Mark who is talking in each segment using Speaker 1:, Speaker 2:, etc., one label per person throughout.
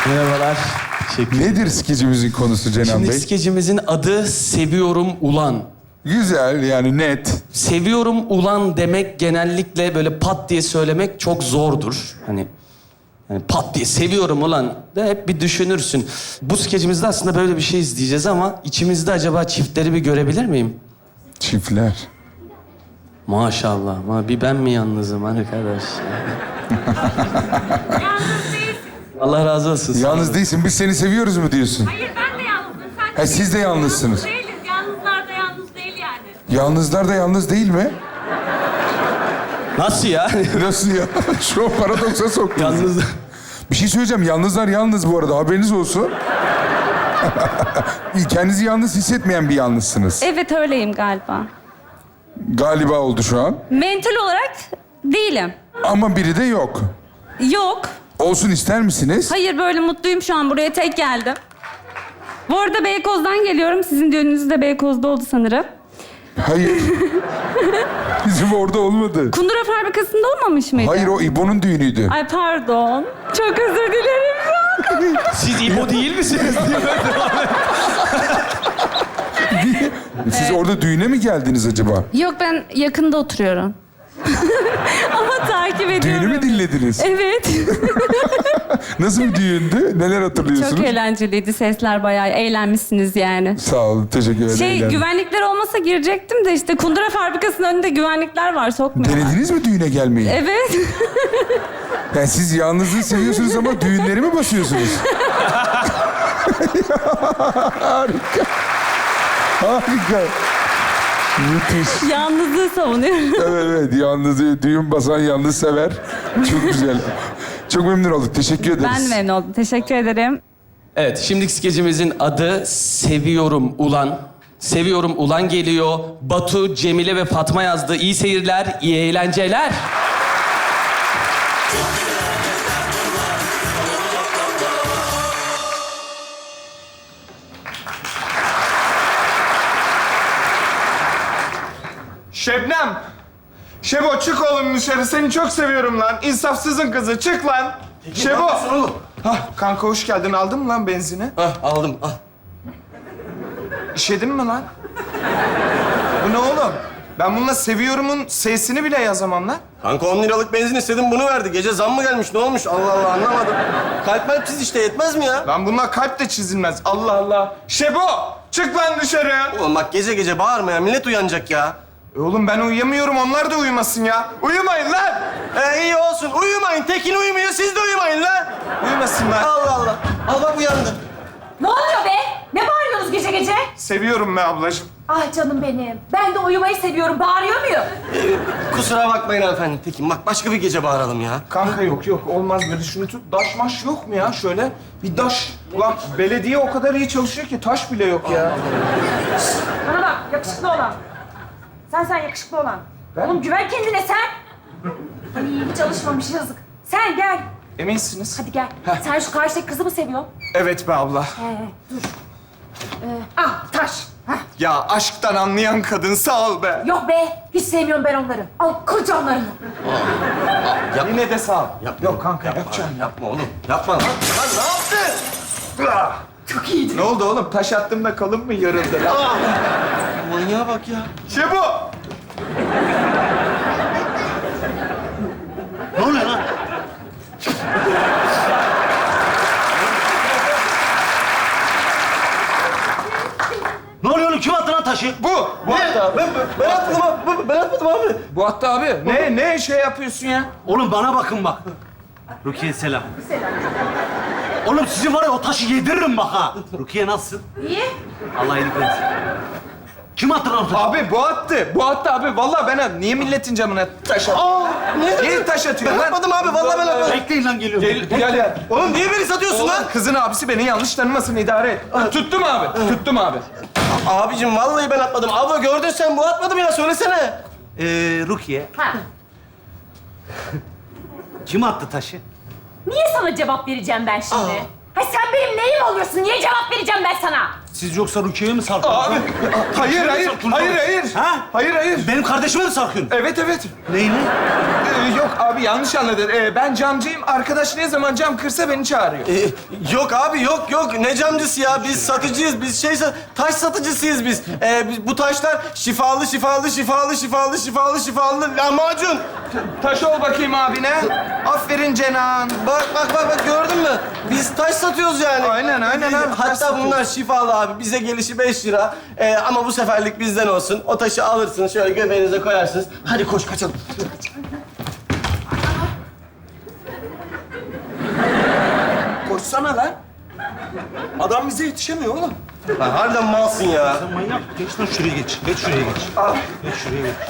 Speaker 1: Merhabalar. Teşekkür ederim.
Speaker 2: Nedir skecimizin konusu Cenan
Speaker 1: Şimdi
Speaker 2: Bey?
Speaker 1: skecimizin adı Seviyorum Ulan.
Speaker 2: Güzel, yani net.
Speaker 1: Seviyorum ulan demek genellikle böyle pat diye söylemek çok zordur. Hani yani pat diye seviyorum ulan de hep bir düşünürsün. Bu skecimizde aslında böyle bir şey izleyeceğiz ama içimizde acaba çiftleri bir görebilir miyim?
Speaker 2: Çiftler.
Speaker 1: Maşallah. Bir ben mi yalnızım arkadaş?
Speaker 3: Yalnız değilsin.
Speaker 1: Allah razı olsun.
Speaker 2: Yalnız değilsin, biz seni seviyoruz mu diyorsun?
Speaker 3: Hayır ben de yalnızım. Sen
Speaker 2: Ha, siz de yalnızsınız.
Speaker 3: Yalnız değiliz. Yalnızlar da yalnız değil yani.
Speaker 2: Yalnızlar da yalnız değil mi?
Speaker 1: Nasıl ya?
Speaker 2: Nasıl ya? Şu an paradoksa soktunuz.
Speaker 1: Yalnız...
Speaker 2: Bir şey söyleyeceğim, yalnızlar yalnız bu arada, haberiniz olsun. Kendinizi yalnız hissetmeyen bir yalnızsınız.
Speaker 4: Evet öyleyim galiba.
Speaker 2: Galiba oldu şu an.
Speaker 4: Mental olarak değilim.
Speaker 2: Ama biri de yok.
Speaker 4: Yok.
Speaker 2: Olsun ister misiniz?
Speaker 4: Hayır böyle mutluyum şu an. Buraya tek geldim. Bu arada Beykoz'dan geliyorum. Sizin düğününüz de Beykoz'da oldu sanırım.
Speaker 2: Hayır. Bizim orada olmadı.
Speaker 4: Kundura fabrikasında olmamış mıydı?
Speaker 2: Hayır, o İbo'nun düğünüydü.
Speaker 4: Ay pardon. Çok özür dilerim şu an.
Speaker 1: Siz İbo değil misiniz?
Speaker 2: Siz orada düğüne mi geldiniz acaba?
Speaker 4: Yok ben yakında oturuyorum. Ama takip ediyorum.
Speaker 2: Düğünü mü dinlediniz?
Speaker 4: Evet.
Speaker 2: Nasıl bir düğündü? Neler hatırlıyorsunuz?
Speaker 4: Çok eğlenceliydi. Sesler bayağı eğlenmişsiniz yani.
Speaker 2: Sağ olun, teşekkür ederim.
Speaker 4: Güvenlikler olmasa girecektim de işte Kundura fabrikasının önünde güvenlikler var. Sokmuyorlar.
Speaker 2: Denediniz mi düğüne gelmeyi?
Speaker 4: Evet.
Speaker 2: Yani siz yalnızlığı seviyorsunuz ama düğünleri mi basıyorsunuz? Harika. Harika. Müthiş.
Speaker 4: Yalnızlığı savunuyorum.
Speaker 2: Evet, evet. Yalnız, düğün basan yalnız sever. Çok güzel. Çok memnun olduk. Teşekkür ederiz.
Speaker 4: Ben de memnun oldum. Teşekkür ederim.
Speaker 1: Evet, şimdiki skecimizin adı Seviyorum Ulan. Seviyorum Ulan geliyor. Batu, Cemile ve Fatma yazdı. İyi seyirler, iyi eğlenceler.
Speaker 5: Şebnem! Şebo çık oğlum dışarı. Seni çok seviyorum lan. İnsafsızın kızı. Çık lan. Şebo! Hah, kanka hoş geldin. Aldın mı lan benzini?
Speaker 6: Aldım, al.
Speaker 5: İşedin mi lan? Bu ne oğlum? Ben bununla seviyorumun S'sini bile yazamam lan.
Speaker 6: Kanka 10 liralık benzin istedim, bunu verdi. Gece zam mı gelmiş, ne olmuş? Allah Allah, anlamadım. Kalp çiz işte, yetmez mi ya?
Speaker 5: Lan bununla kalp de çizilmez. Allah Allah. Şebo! Çık lan dışarı.
Speaker 6: Oğlum bak gece gece bağırma ya, millet uyanacak ya.
Speaker 5: Oğlum ben uyuyamıyorum. Onlar da uyumasın ya. Uyumayın lan.
Speaker 6: İyi olsun, uyumayın. Tekin uyumuyor, siz de uyumayın lan.
Speaker 5: Uyumasınlar.
Speaker 6: Allah Allah. Al bak uyandı.
Speaker 3: Ne oluyor be? Ne bağırıyorsunuz gece gece?
Speaker 5: Seviyorum be ablacığım.
Speaker 3: Ah canım benim. Ben de uyumayı seviyorum. Bağırıyor muyum?
Speaker 6: Kusura bakmayın hanımefendi. Tekin bak başka bir gece bağıralım ya.
Speaker 5: Kanka yok olmaz böyle şunu tut. Daş maş yok mu ya şöyle? Bir daş. Ulan belediye o kadar iyi çalışıyor ki taş bile yok ya.
Speaker 3: Bana bak yakışıklı olan. Sen yakışıklı olan. Oğlum güven kendine sen. Ay hiç alışmamış yazık. Sen gel.
Speaker 5: Eminsiniz?
Speaker 3: Hadi gel. Sen şu karşıdaki kızı mı seviyorsun?
Speaker 5: Evet be abla.
Speaker 3: Dur. Taş. Heh.
Speaker 5: Ya aşktan anlayan kadın sağ ol be.
Speaker 3: Yok be. Hiç sevmiyorum ben onları. Al kır canlarını.
Speaker 5: Yine de sağ ol.
Speaker 6: Yapma.
Speaker 5: Yok kanka yapacağım.
Speaker 6: Yapma oğlum. Yapma lan. Lan ne yaptın?
Speaker 3: Çok iyiydi.
Speaker 5: Ne oldu oğlum? Taş attığımda kalın mı yarıldı lan?
Speaker 6: Manyağa bak ya.
Speaker 5: Şebo!
Speaker 6: Ne oluyor lan? Ne oluyor oğlum? Kim attı lan taşı?
Speaker 5: Bu hatta abi.
Speaker 6: Ben atmadım abi. Ben atmadım abi.
Speaker 5: Bu hatta abi. Ne şey yapıyorsun ya?
Speaker 7: Oğlum bana bakın bak. Rukiye selam. Oğlum sizin var ya o taşı yediririm bak ha. Rukiye nasılsın?
Speaker 3: İyi.
Speaker 7: Allah iyilik versin. Kim attı lan o taşı?
Speaker 5: Abi bu attı. Bu attı abi. Vallahi ben niye milletin camına taş atıyor? Niye taş atıyor
Speaker 6: Ben
Speaker 5: lan?
Speaker 6: atmadım abi. Vallahi ben atmadım.
Speaker 7: Bekleyin lan geliyorum.
Speaker 5: Gel.
Speaker 6: Oğlum niye beni satıyorsun lan?
Speaker 5: Kızın abisi beni yanlış tanımasın idare et. Tuttum abi. Tuttum abi.
Speaker 6: Abicim vallahi ben atmadım. Abla gördün sen bu atmadım ya söylesene.
Speaker 7: Rukiye.
Speaker 3: Ha.
Speaker 7: Kim attı taşı?
Speaker 3: Niye sana cevap vereceğim ben şimdi? Ha sen benim neyim oluyorsun? Niye cevap vereceğim ben sana?
Speaker 7: Siz yoksa Rukiye'ye mi sarkıyorsunuz?
Speaker 5: Abi. Hayır.
Speaker 7: Ha?
Speaker 5: Hayır.
Speaker 7: Benim kardeşime mi sarkıyorsun?
Speaker 5: Evet.
Speaker 7: Neyini?
Speaker 5: Yok abi yanlış anladın. Ben camcıyım. Arkadaş ne zaman cam kırsa beni çağırıyor.
Speaker 6: Yok abi yok. Ne camcısı ya? Biz satıcıyız. Biz taş satıcısıyız biz. Bu taşlar şifalı lahmacun.
Speaker 5: Taş ol bakayım abine. Aferin Cenan.
Speaker 6: Bak gördün mü? Biz taş satıyoruz yani.
Speaker 5: Aynen abi. taş
Speaker 6: Hatta
Speaker 5: satıyoruz.
Speaker 6: bunlar şifalı abi. Bize gelişi 5 lira. Ama bu seferlik bizden olsun. O taşı alırsınız, şöyle göbeğinize koyarsınız. Hadi koş kaçalım.
Speaker 5: Koşsana lan. Adam bize yetişemiyor oğlum.
Speaker 6: Lan harbiden malsın ya.
Speaker 7: Sen manyak. Geç lan şuraya geç. Geç şuraya geç. Geç şuraya geç.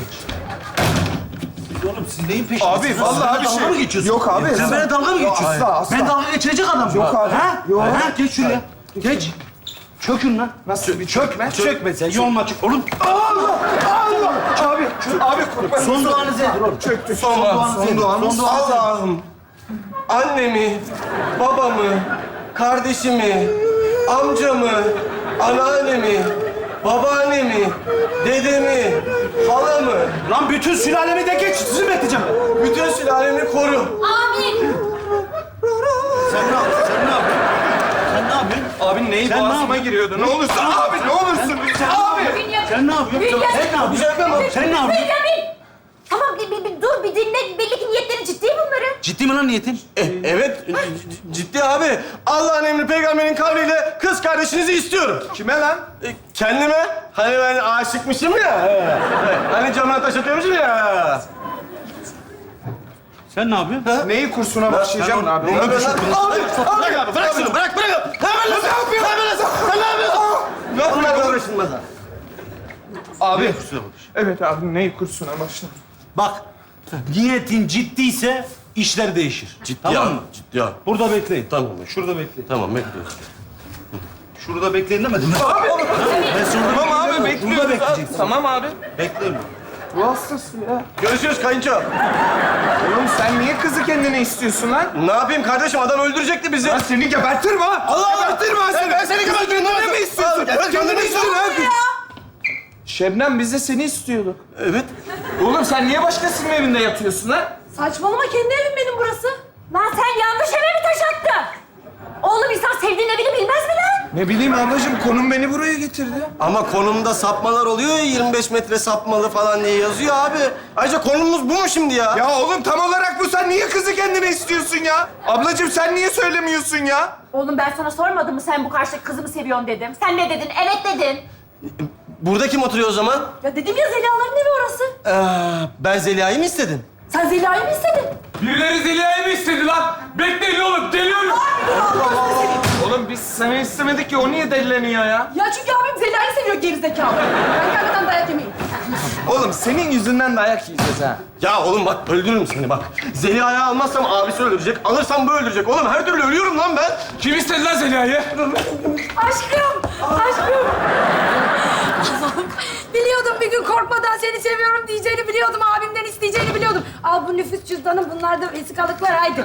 Speaker 7: Oğlum siz neyin peşindesiniz?
Speaker 5: Abi, vallahi
Speaker 7: Sen
Speaker 5: bir
Speaker 7: dalga
Speaker 5: şey-
Speaker 7: mı geçiyorsun?
Speaker 5: Yok abi,
Speaker 7: Sen
Speaker 5: estağfurullah.
Speaker 7: benimle dalga mı geçiyorsun?
Speaker 5: Asla.
Speaker 7: Ben dalga geçirecek adam mı?
Speaker 5: Yok abi,
Speaker 7: Ha?
Speaker 5: yok.
Speaker 7: Ha? Geç şuraya. Geç. Çökün lan.
Speaker 5: Nasıl bir çökme?
Speaker 7: Çökme sen. Yolun açık. Oğlum.
Speaker 5: Abi kurban.
Speaker 7: Son duanız nedir oğlum?
Speaker 5: Çöktü.
Speaker 7: Son duanız nedir? Son duanız nedir?
Speaker 6: Allah'ım, annemi, babamı, kardeşimi, amcamı, anneannemi, babaannemi, dedemi, halamı,
Speaker 7: Lan bütün sülalemi de geç. Sizi bekleyeceğim.
Speaker 6: bütün sülalemi koru.
Speaker 3: Amin.
Speaker 7: Sen ne yapıyorsun? Sen ne yapıyorsun? Sen ne yapıyorsun?
Speaker 5: Abi neyi
Speaker 7: Sen ne
Speaker 5: boğazıma
Speaker 7: yapıyorsun?
Speaker 5: giriyordu? Ne olursun abi ne olursun. Abi.
Speaker 7: Sen ne yapıyorsun? Sen ne yapıyorsun? Sen ne yapıyorsun?
Speaker 3: Bünyamin. Tamam bir dur bir dinle. Belli ki niyetleri ciddi bunların.
Speaker 7: Ciddi mi lan niyetin?
Speaker 6: Evet, ciddi abi. Allah'ın emri peygamberin kavliyle kız kardeşinizi istiyorum.
Speaker 5: Kime lan?
Speaker 6: Kendime, hani ben aşıkmışım ya. Hani camına taş atıyormuşum ya.
Speaker 7: Sen ne yapıyorsun?
Speaker 5: Neyi kursuna başlayacağım abi?
Speaker 6: Ne yapıyorsun lan? Abi, bırak şunu, bırak. Hemen nasıl yapıyorsun? Sen ne yapıyorsun? Ne yapıyorsun? Uğraşılmaz ha.
Speaker 5: Abi. Evet abi neyi kursuna başla?
Speaker 7: Bak, niyetin ciddiyse işler değişir. Tamam mı?
Speaker 6: Ciddi abi.
Speaker 7: Burada bekleyin.
Speaker 6: Tamam.
Speaker 7: Şurada bekleyin.
Speaker 6: Tamam, bekliyoruz.
Speaker 7: Şurada bekleyin demedim mi?
Speaker 5: Abi.
Speaker 7: Ben şurada
Speaker 5: Tamam abi
Speaker 7: Burada
Speaker 5: bekliyoruz.
Speaker 7: bekleyeceksin.
Speaker 5: Tamam abi.
Speaker 7: Bekleyin.
Speaker 5: Bu hastası ya.
Speaker 6: Görüşürüz kayınço.
Speaker 5: Oğlum sen niye kızı kendine istiyorsun lan?
Speaker 6: Ne yapayım kardeşim? Adam öldürecekti bizi.
Speaker 5: Lan seni gebertirim ha.
Speaker 6: Allah!
Speaker 5: Gebertirim ha seni.
Speaker 6: Ben seni gebertirim.
Speaker 5: Kendine mi istiyorsun?
Speaker 6: Evet,
Speaker 5: Kendine istiyorsun ha. Şebnem biz de seni istiyorduk.
Speaker 6: Evet.
Speaker 5: Oğlum sen niye başkasının evinde yatıyorsun lan?
Speaker 3: Saçmalama kendi evim benim burası. Lan sen yanlış eve mi taş attın? Oğlum insan sevdiğin evini bilmez mi lan?
Speaker 5: Ne bileyim ablacığım konum beni buraya getirdi.
Speaker 6: Ama konumda sapmalar oluyor ya, 25 metre sapmalı falan diye yazıyor abi. Ayrıca konumuz bu mu şimdi ya?
Speaker 5: Ya oğlum tam olarak bu. Sen niye kızı kendine istiyorsun ya? Ablacığım sen niye söylemiyorsun ya?
Speaker 3: Oğlum ben sana sormadım mı sen bu karşıdaki kızı mı seviyorsun dedim. Sen ne dedin? Evet dedin.
Speaker 6: Burada kim oturuyor o zaman?
Speaker 3: Ya dedim ya Zeliha'ların evi orası.
Speaker 6: Ben Zeliha'yı mı istedim?
Speaker 3: Sen Zeliha'yı mı istedin?
Speaker 8: Birileri Zeliha'yı mı istedi lan? Bekleyin oğlum, geliyorum.
Speaker 5: Oğlum biz seni istemedik ki o niye delileniyor ya?
Speaker 9: Ya çünkü abim Zeliha'yı seviyor gerizekalı. Ben gelmeden dayak yemeyeyim.
Speaker 5: Oğlum senin yüzünden dayak yiyeceğiz ha.
Speaker 6: Ya oğlum bak öldürürüm seni bak. Zeliha'yı almazsam abisi öldürecek, alırsam bu öldürecek. Oğlum her türlü ölüyorum lan ben.
Speaker 8: Kim istedi lan Zeliha'yı?
Speaker 9: Aşkım, aşkım. Allah'ım, biliyordum bir gün korkmadan seni seviyorum diyeceğini biliyordum. Abimden isteyeceğini biliyordum. Al bu nüfus cüzdanı, bunlar da vesikalıklar haydi.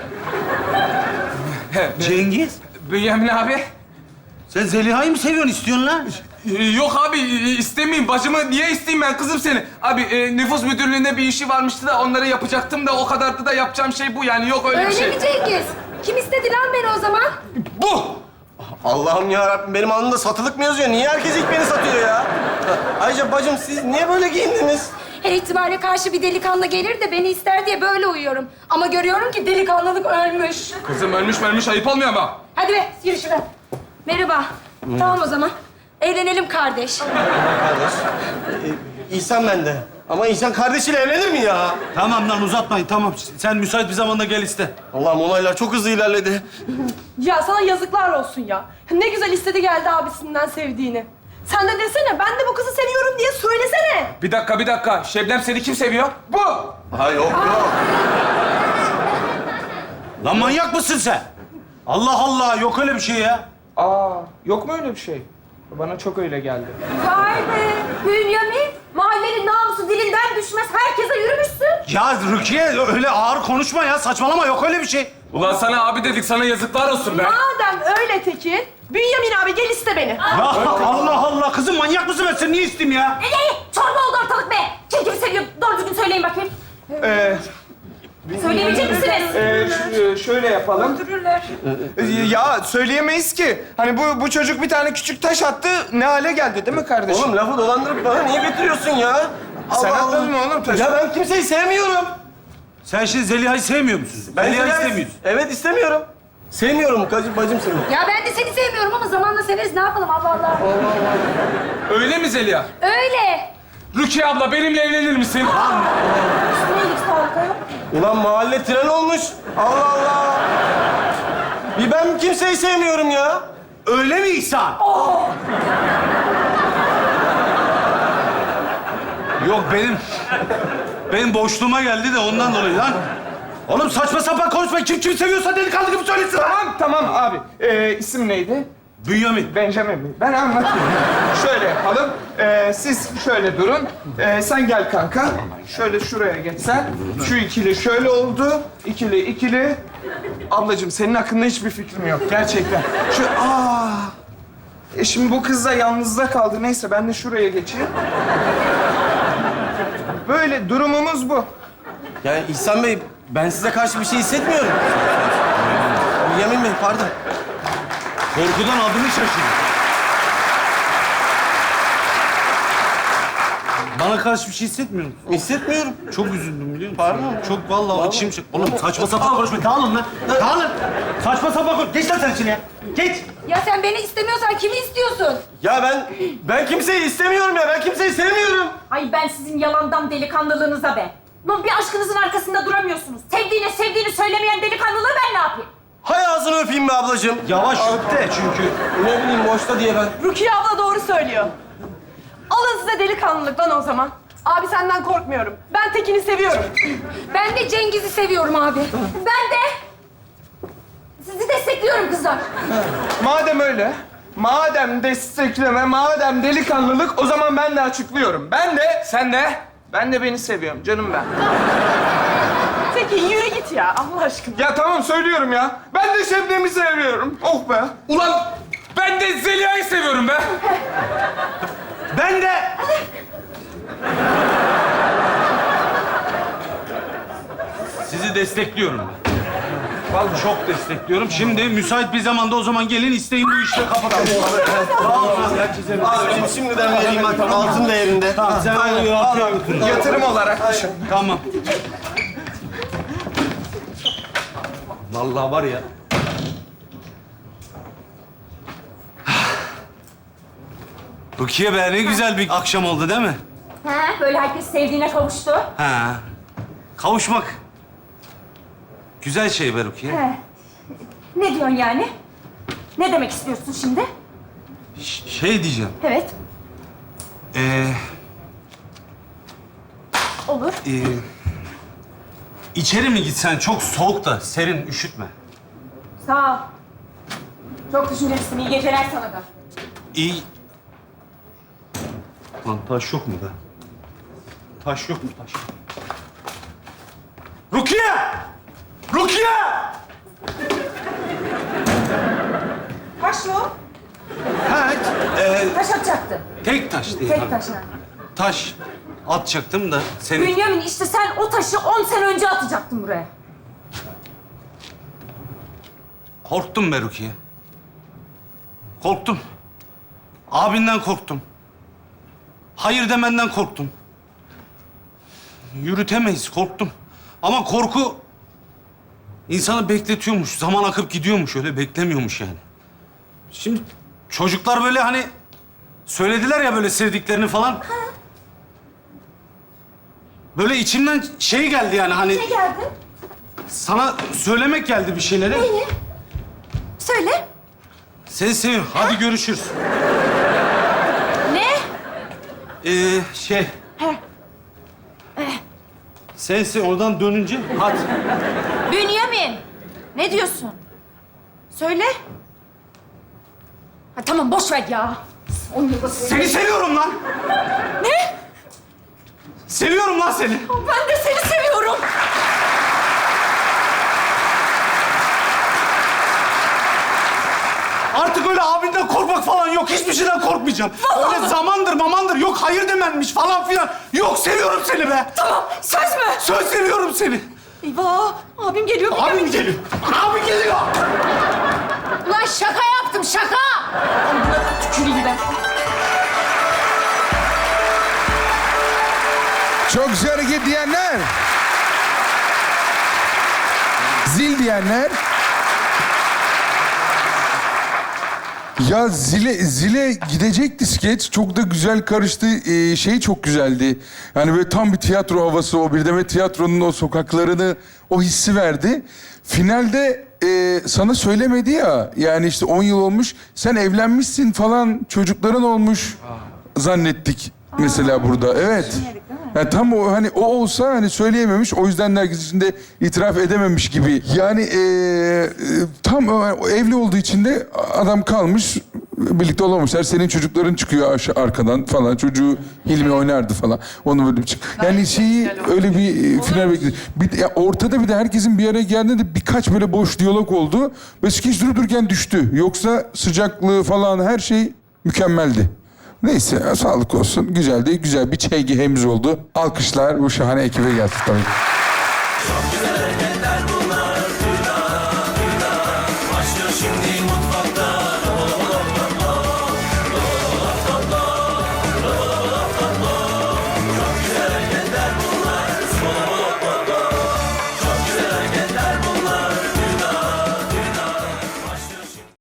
Speaker 7: Cengiz,
Speaker 8: Bünyamin abi.
Speaker 7: sen Zeliha'yı mı seviyorsun, istiyorsun lan?
Speaker 8: Yok abi, istemeyeyim. Bacımı niye isteyeyim ben kızım seni? Abi nüfus müdürlüğünde bir işi varmıştı da onları yapacaktım da o kadardı da yapacağım şey bu yani. Yok öyle bir
Speaker 9: Öyle
Speaker 8: şey.
Speaker 9: mi Cengiz? Kim istedi lan beni o zaman?
Speaker 8: Bu!
Speaker 6: Allah'ım ya Rabbim benim alnımda satılık mı yazıyor? Niye herkes ilk beni satıyor ya? Ayrıca bacım siz niye böyle giyindiniz?
Speaker 9: Her ihtimale karşı bir delikanlı gelir de beni ister diye böyle uyuyorum. Ama görüyorum ki delikanlılık ölmüş.
Speaker 8: Kızım ölmüş ayıp olmuyor ama.
Speaker 9: Hadi be, yürü şuradan. Merhaba. Tamam o zaman. Eğlenelim kardeş.
Speaker 6: Kardeş. İhsan bende. Ama insan kardeşiyle evlenir mi ya?
Speaker 7: Tamam lan uzatmayın, tamam. Sen müsait bir zamanda gel iste.
Speaker 6: Allah'ım olaylar çok hızlı ilerledi.
Speaker 9: Ya sana yazıklar olsun ya. Ne güzel istedi geldi abisinden sevdiğini. Sen de desene, ben de bu kızı seviyorum diye söylesene.
Speaker 8: Bir dakika. Şebnem seni kim seviyor? Bu!
Speaker 6: Ha yok.
Speaker 7: Lan manyak mısın sen? Allah Allah, yok öyle bir şey ya.
Speaker 5: Aa yok mu öyle bir şey? Bana çok öyle geldi.
Speaker 3: Vay be Bünyamin. Mahallenin namusu dilinden düşmez. Herkese yürümüşsün.
Speaker 7: Ya Rukiye öyle ağır konuşma ya, saçmalama, yok öyle bir şey.
Speaker 8: Ulan sana abi dedik, sana yazıklar olsun be.
Speaker 9: Madem öyle Tekin, Bünyamin abi gel iste beni.
Speaker 7: Ya Allah Allah, kızım manyak mısın ben seni niye isteyeyim ya?
Speaker 3: Çorba oldu ortalık be. Kim kimi seviyor? Doğru düzgün söyleyin bakayım. Söyleyebilecek misiniz?
Speaker 5: Şöyle yapalım.
Speaker 3: Öldürürler.
Speaker 5: Ya söyleyemeyiz ki. Hani bu çocuk bir tane küçük taş attı, ne hale geldi değil mi kardeşim?
Speaker 6: Oğlum lafı dolandırıp bana niye getiriyorsun ya?
Speaker 5: Sen
Speaker 6: Allah
Speaker 5: atladın
Speaker 6: Allah.
Speaker 5: mı oğlum taşı?
Speaker 6: Ya ben kimseyi sevmiyorum.
Speaker 7: Sen şimdi Zeliha'yı sevmiyor musun? Zeliha'yı istemiyorsun.
Speaker 6: Evet istemiyorum. Sevmiyorum bacım seni.
Speaker 9: Ya ben de seni sevmiyorum ama zamanla severiz. Ne yapalım Allah Allah.
Speaker 8: Öyle mi Zeliha?
Speaker 9: Öyle.
Speaker 8: Rukiye abla benimle evlenir misin?
Speaker 3: Üstüne iyilik sağlık ayol.
Speaker 6: Ulan mahalle tren olmuş. Allah Allah. Bir ben kimseyi sevmiyorum ya.
Speaker 7: Öyle mi İhsan? Yok benim boşluğuma geldi de ondan dolayı lan. Oğlum saçma sapan konuşma. Kim seviyorsa delikanlı gibi söylesin lan.
Speaker 5: Tamam abi. İsim neydi?
Speaker 7: Bünyamin.
Speaker 5: Benjamin mi? Ben anlatayım. Şöyle yapalım. Siz şöyle durun. Sen gel kanka. Şöyle şuraya geç sen. Şu ikili şöyle oldu. İkili. Ablacığım senin hakkında hiçbir fikrim yok. Gerçekten. Şimdi bu kız da yalnızda kaldı. Neyse ben de şuraya geçeyim. Böyle durumumuz bu.
Speaker 6: Yani İhsan Bey, ben size karşı bir şey hissetmiyorum. Bünyamin Bey, pardon.
Speaker 7: Korkudan adını şaşırdı. Bana karşı bir şey hissetmiyor musun?
Speaker 6: Hissetmiyorum.
Speaker 7: Çok üzüldüm biliyor musun?
Speaker 6: Pardon.
Speaker 7: Çok vallahi içim şey. Oğlum saçma sapan konuşma. Dağılın lan. Dağılın. Saçma sapan konuş. Geç lan sen içine. Geç.
Speaker 9: Ya sen beni istemiyorsan kimi istiyorsun?
Speaker 6: Ya ben kimseyi istemiyorum ya. Ben kimseyi sevmiyorum.
Speaker 3: Ay ben sizin yalandan delikanlılığınıza be. Lan bir aşkınızın arkasında duramıyorsunuz. Sevdiğini söylemeyen delikanlılığı ben ne yapayım?
Speaker 6: Hay ağzını öpeyim be ablacığım.
Speaker 7: Yavaş öp de çünkü.
Speaker 6: Ne bileyim boşta diye ben.
Speaker 10: Rukiye abla doğru söylüyor. Alın size delikanlılık lan o zaman. Abi senden korkmuyorum. Ben Tekin'i seviyorum.
Speaker 9: Ben de Cengiz'i seviyorum abi.
Speaker 3: Ben de sizi destekliyorum kızlar.
Speaker 5: Madem öyle, madem destekleme, madem delikanlılık, o zaman ben de açıklıyorum. Ben de beni seviyorum canım ben.
Speaker 10: Tekin yürü git ya Allah aşkına.
Speaker 5: Ya tamam söylüyorum ya. Ben de Şebnem'i seviyorum. Oh be.
Speaker 8: Ulan ben de Zeliha'yı seviyorum be.
Speaker 7: Ben de. Sizi destekliyorum ben. Vallahi çok destekliyorum. Şimdi müsait bir zamanda o zaman gelin isteyin bu işleri kapatalım.
Speaker 6: Abi ben şimdiden vereyim bak altın değerinde.
Speaker 7: Tamam sen onu yapıyor götür.
Speaker 5: Yatırım olarak düşün.
Speaker 7: Tamam. Vallahi var ya. Rukiye be ne güzel bir akşam oldu değil mi?
Speaker 3: He, böyle herkes sevdiğine kavuştu.
Speaker 7: Ha. Kavuşmak. Güzel şey be Rukiye.
Speaker 3: He. Ne diyorsun yani? Ne demek istiyorsun şimdi?
Speaker 7: Şey diyeceğim.
Speaker 3: Evet, olur.
Speaker 7: İçeri mi gitsen çok soğuk da serin üşütme.
Speaker 3: Sağ ol. Çok düşüncelisin. İyi geceler sana da.
Speaker 7: İyi. Lan taş yok mu be? Taş yok mu taş? Rukiye! Rukiye!
Speaker 3: Taş mı o?
Speaker 7: Ha,
Speaker 3: Taş atacaktı.
Speaker 7: tek taş değil.
Speaker 3: Tek taş yani.
Speaker 7: Taş atacaktım da senin...
Speaker 3: Bünyamin işte sen o taşı 10 sene önce atacaktın buraya.
Speaker 7: Korktum be Rukiye. Korktum. Abinden korktum. Hayır demenden korktum. Yürütemeyiz, korktum. Ama korku insanı bekletiyormuş. Zaman akıp gidiyormuş, öyle beklemiyormuş yani. Şimdi çocuklar böyle hani söylediler ya böyle sevdiklerini falan. Böyle içimden şey geldi yani hani...
Speaker 3: Ne geldi?
Speaker 7: Sana söylemek geldi bir şeyleri.
Speaker 3: Neyi? Söyle.
Speaker 7: Seni seviyorum. Hadi görüşürüz.
Speaker 3: Ne?
Speaker 7: Şey... Sensin oradan dönünce hadi.
Speaker 3: Bünyamin. Ne diyorsun? Söyle. Ha, tamam boş ver ya.
Speaker 7: Seni seviyorum lan.
Speaker 3: Ne?
Speaker 7: Seviyorum lan seni.
Speaker 3: Ben de seni seviyorum.
Speaker 7: Artık öyle abinden korkmak falan yok. Hiçbir şeyden korkmayacağım. Öyle zamandır yok hayır demenmiş falan filan. Yok seviyorum seni be.
Speaker 3: Tamam söz mü?
Speaker 7: Söz seviyorum seni.
Speaker 3: Eyvah! Abim geliyor.
Speaker 6: Abim geliyor. Abi geliyor.
Speaker 9: Ulan şaka yaptım, şaka!
Speaker 3: Tüküreyim ben.
Speaker 2: Çok güzel hareket diyenler. Zil diyenler. Ya zile gidecekti skeç. Çok da güzel karıştı. Şey çok güzeldi. Yani böyle tam bir tiyatro havası, o Birdem'e tiyatronun o sokaklarını, o hissi verdi. Finalde sana söylemedi ya. Yani işte 10 yıl olmuş. Sen evlenmişsin falan. Çocukların olmuş zannettik mesela burada. Evet. Yani tam o hani o olsa hani söyleyememiş. O yüzden herkes içinde itiraf edememiş gibi. Yani tam o evli olduğu için de adam kalmış. Birlikte olamamışlar. Senin çocukların çıkıyor arkadan falan. Çocuğu Hilmi oynardı falan. Onu böyle bir çık. Yani şeyi öyle bir final bekledi. Ortada bir de herkesin bir araya geldiğinde de birkaç böyle boş diyalog oldu. Ve skeç dururken düştü. Yoksa sıcaklığı falan her şey mükemmeldi. Neyse sağlık olsun. Güzeldi. Güzel bir çeygi hemiz oldu. Alkışlar bu şahane ekibe gelsin tabii.